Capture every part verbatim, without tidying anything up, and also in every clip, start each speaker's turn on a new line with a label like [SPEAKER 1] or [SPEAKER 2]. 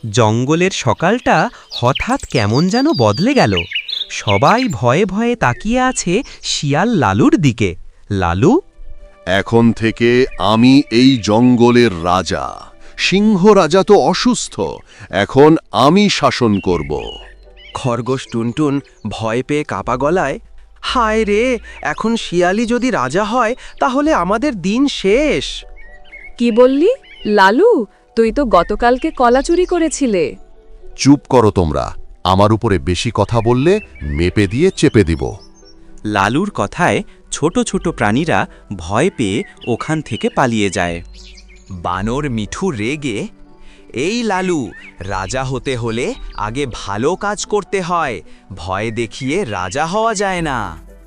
[SPEAKER 1] জঙ্গলের সকালটা হঠাৎ কেমন যেন বদলে গেল। সবাই ভয়ে ভয়ে তাকিয়ে আছে শিয়াল লালুর দিকে। লালু,
[SPEAKER 2] এখন থেকে আমি এই জঙ্গলের রাজা। সিংহ রাজা তো অসুস্থ, এখন আমি শাসন করব।
[SPEAKER 3] খরগোশ টুনটুন ভয় পেয়ে কাপা গলায়, হায় রে, এখন শিয়ালি যদি রাজা হয় তাহলে আমাদের দিন শেষ।
[SPEAKER 4] কি বললি লালু? তুই তো গতকালকে কলা চুরি করেছিলে।
[SPEAKER 2] চুপ করো তোমরা, আমার উপরে বেশি কথা বললে মেপে দিয়ে চেপে দিব।
[SPEAKER 1] লালুর কথায় ছোট ছোট প্রাণীরা ভয় পেয়ে ওখান থেকে পালিয়ে যায়।
[SPEAKER 3] বানর মিঠু রেগে, এই লালু, রাজা হতে হলে আগে ভালো কাজ করতে হয়, ভয় দেখিয়ে রাজা হওয়া যায় না।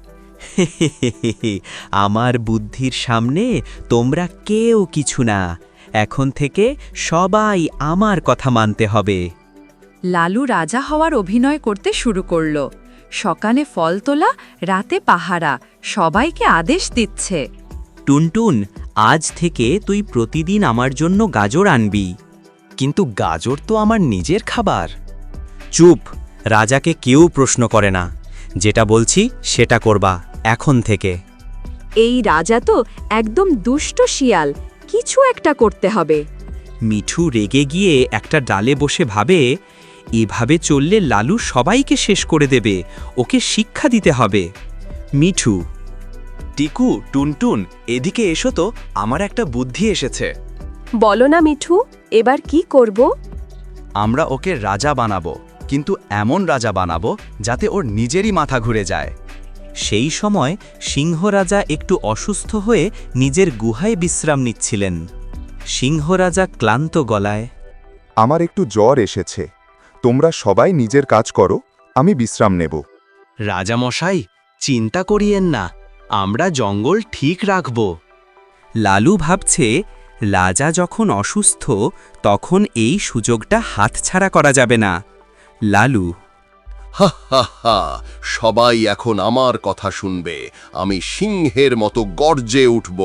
[SPEAKER 1] আমার বুদ্ধির সামনে তোমরা কেউ কিছু না। এখন থেকে সবাই আমার কথা মানতে হবে।
[SPEAKER 4] লালু রাজা হওয়ার অভিনয় করতে শুরু করল। সকালে ফল তোলা, রাতে পাহারা, সবাইকে আদেশ দিচ্ছে।
[SPEAKER 1] টুনটুন, আজ থেকে তুই প্রতিদিন আমার জন্য গাজর আনবি।
[SPEAKER 3] কিন্তু গাজর তো আমার নিজের খাবার।
[SPEAKER 1] চুপ, রাজাকে কেউ প্রশ্ন করে না। যেটা বলছি সেটা করবা এখন থেকে।
[SPEAKER 4] এই রাজা তো একদম দুষ্ট শিয়াল, কিছু একটা করতে হবে।
[SPEAKER 1] মিঠু রেগে গিয়ে একটা ডালে বসে ভাবে, এভাবে চললে লালু সবাইকে শেষ করে দেবে, ওকে শিক্ষা দিতে হবে। মিঠু,
[SPEAKER 3] টিকু, টুনটুন, এদিকে এসো তো, আমার একটা বুদ্ধি এসেছে।
[SPEAKER 4] বলো না মিঠু, এবার কি করব?
[SPEAKER 3] আমরা ওকে রাজা বানাবো, কিন্তু এমন রাজা বানাবো যাতে ওর নিজেরই মাথা ঘুরে যায়।
[SPEAKER 1] সেই সময় সিংহ রাজা একটু অসুস্থ হয়ে নিজের গুহায় বিশ্রাম নিচ্ছিলেন। সিংহ রাজা ক্লান্ত গলায়,
[SPEAKER 5] আমার একটু জ্বর এসেছে, তোমরা সবাই নিজের কাজ করো, আমি বিশ্রাম নেব।
[SPEAKER 3] রাজামশাই, চিন্তা করিয়েন না, আমরা জঙ্গল ঠিক রাখব।
[SPEAKER 1] লালু ভাবছে, রাজা যখন অসুস্থ তখন এই সুযোগটা হাতছাড়া করা যাবে না। লালু,
[SPEAKER 2] হা হা হা, সবাই এখন আমার কথা শুনবে। আমি সিংহের মতো গর্জে উঠব।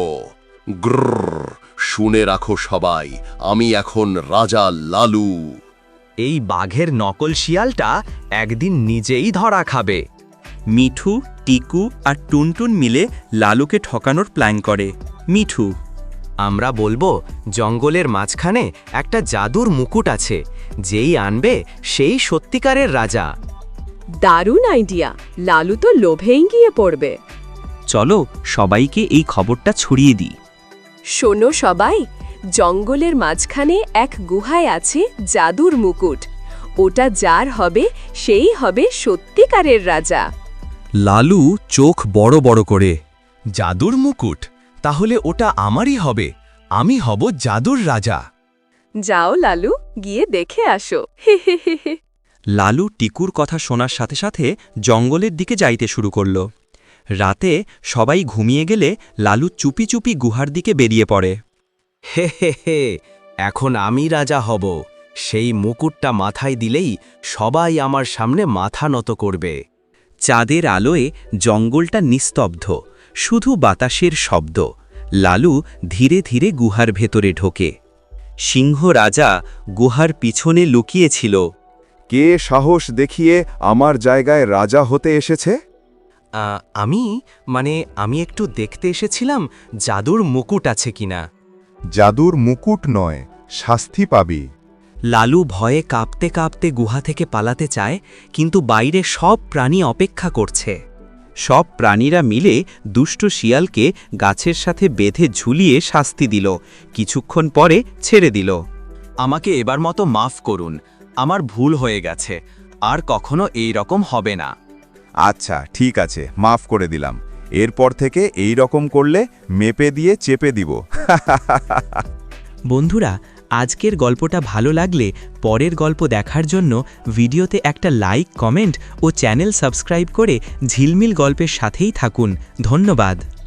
[SPEAKER 2] গ্রর, শুনে রাখো সবাই, আমি এখন রাজা লালু।
[SPEAKER 3] এই বাঘের নকল শিয়ালটা একদিন নিজেই ধরা খাবে।
[SPEAKER 1] মিঠু, টিকু আর টুনটুন মিলে লালুকে ঠকানোর প্ল্যান করে। মিঠু,
[SPEAKER 3] আমরা বলবো জঙ্গলের মাঝখানে একটা জাদুর মুকুট আছে, যেই আনবে সেই সত্যিকারের রাজা।
[SPEAKER 4] দারুণ আইডিয়া, লালু তো লোভেই গিয়ে পড়বে।
[SPEAKER 1] চলো সবাইকে এই খবরটা ছড়িয়ে দিই।
[SPEAKER 4] শোনো সবাই, জঙ্গলের মাঝখানে এক গুহায় আছে জাদুর মুকুট। ওটা যার হবে সেই হবে সত্যিকারের রাজা।
[SPEAKER 1] লালু চোখ বড় বড় করে,
[SPEAKER 3] জাদুর মুকুট? তাহলে ওটা আমারই হবে, আমি হব জাদুর রাজা।
[SPEAKER 4] যাও লালু, গিয়ে দেখে আসো। হে হে হে হে।
[SPEAKER 1] লালু টিকুর কথা শোনার সাথে সাথে জঙ্গলের দিকে যাইতে শুরু করল। রাতে সবাই ঘুমিয়ে গেলে লালু চুপি চুপি গুহার দিকে বেরিয়ে পড়ে।
[SPEAKER 3] হে হে হে, এখন আমি রাজা হব। সেই মুকুটটা মাথায় দিলেই সবাই আমার সামনে মাথা নত করবে।
[SPEAKER 1] চাঁদের আলোয় জঙ্গলটা নিস্তব্ধ, শুধু বাতাসের শব্দ। লালু ধীরে ধীরে গুহার ভেতরে ঢোকে। সিংহ রাজা গুহার পিছনে লুকিয়েছিল।
[SPEAKER 5] কে সাহস দেখিয়ে আমার জায়গায় রাজা হতে এসেছে?
[SPEAKER 3] আ, আমি মানে আমি একটু দেখতে এসেছিলাম জাদুর মুকুট আছে কিনা।
[SPEAKER 5] জাদুর মুকুট নয়, শাস্তি পাবি।
[SPEAKER 1] লালু ভয়ে কাঁপতে কাঁপতে গুহা থেকে পালাতে চায়, কিন্তু বাইরে সব প্রাণী অপেক্ষা করছে। সব প্রাণীরা মিলে দুষ্ট শিয়ালকে গাছের সাথে বেঁধে ঝুলিয়ে শাস্তি দিল, কিছুক্ষণ পরে ছেড়ে দিল।
[SPEAKER 3] আমাকে এবার মতো মাফ করুন, আমার ভুল হয়ে গেছে, আর কখনো এই রকম হবে না।
[SPEAKER 5] আচ্ছা ঠিক আছে, মাফ করে দিলাম। এরপর থেকে এই রকম করলে মেপে দিয়ে চেপে দিব।
[SPEAKER 1] বন্ধুরা, আজকের গল্পটা ভালো লাগলে পরের গল্প দেখার জন্য ভিডিওতে একটা লাইক, কমেন্ট ও চ্যানেল সাবস্ক্রাইব করে ঝিলমিল গল্পের সাথেই থাকুন। ধন্যবাদ।